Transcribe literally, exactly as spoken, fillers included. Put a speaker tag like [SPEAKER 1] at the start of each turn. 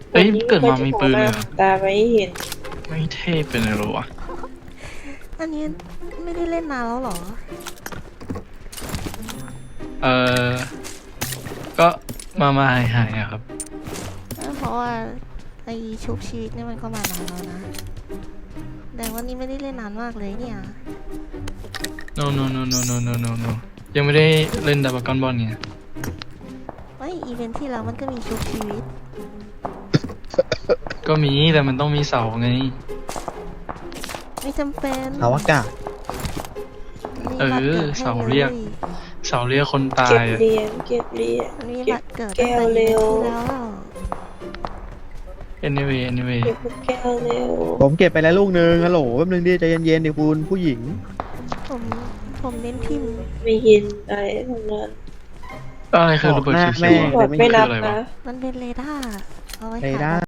[SPEAKER 1] เอ้ยเกิดมามีปืนเลยเหรอ
[SPEAKER 2] ตาไม่เห็น
[SPEAKER 1] ไม่เท่เป็นอะไรหรอวะ
[SPEAKER 3] อันนี้ไม่ได้เล่นนานแล้วเหรอ
[SPEAKER 1] เออก็มามาหายหายอะครับ
[SPEAKER 3] เพราะว่าไอชุบชีวิตนี่มันก็มานานแล้วนะแต่วันนี้ไม่ได้เล่นนานมากเลยเนี่ย
[SPEAKER 1] no no no no no no no no ยังไม่ได้เล่นดับเบิลกอนบอลเนี่ย
[SPEAKER 3] ไออีเวนท์ที่แล้วมันก็มีชุบชีวิต
[SPEAKER 1] ก็มีแต่มันต้องมีเสาไง
[SPEAKER 3] ไม่จำเป็น
[SPEAKER 4] เอาอากาศ
[SPEAKER 3] มี
[SPEAKER 1] เออ
[SPEAKER 3] บัตรกิดให้
[SPEAKER 1] เสาเรียก
[SPEAKER 3] ล
[SPEAKER 1] เสาเรียกคนตา
[SPEAKER 2] เก็บ
[SPEAKER 1] ยอะ
[SPEAKER 2] เหรียญเก็บเหรียญ
[SPEAKER 3] มันมี
[SPEAKER 2] เก็
[SPEAKER 3] บั
[SPEAKER 2] บ
[SPEAKER 3] ตรเกิด
[SPEAKER 2] แก้
[SPEAKER 3] ตั้ง
[SPEAKER 2] ว
[SPEAKER 3] แต่
[SPEAKER 2] เร็
[SPEAKER 3] อีเวน
[SPEAKER 2] ว
[SPEAKER 3] ท์ที่แล้ว
[SPEAKER 1] anyway anyway
[SPEAKER 2] เก็บลูกแก้วเร็ว
[SPEAKER 4] ผมเก็บไปแล้วลูกนึงฮัลโหลแป๊บนึงดิใจเย็นๆดิคุณผู้หญิง
[SPEAKER 3] ผมผมเน้นพิมพ์
[SPEAKER 2] ไม่เห็นอะไรทั้งนั้น
[SPEAKER 1] อะไรคือระเบิด
[SPEAKER 4] ออกหน้า
[SPEAKER 1] เขียวๆ
[SPEAKER 4] แม่
[SPEAKER 2] บอดไม่นับ
[SPEAKER 1] คืออะไรวะ
[SPEAKER 2] นะ
[SPEAKER 3] มันเป็นเรดาร์เอาไว้
[SPEAKER 4] เร
[SPEAKER 3] หา
[SPEAKER 4] ดาร์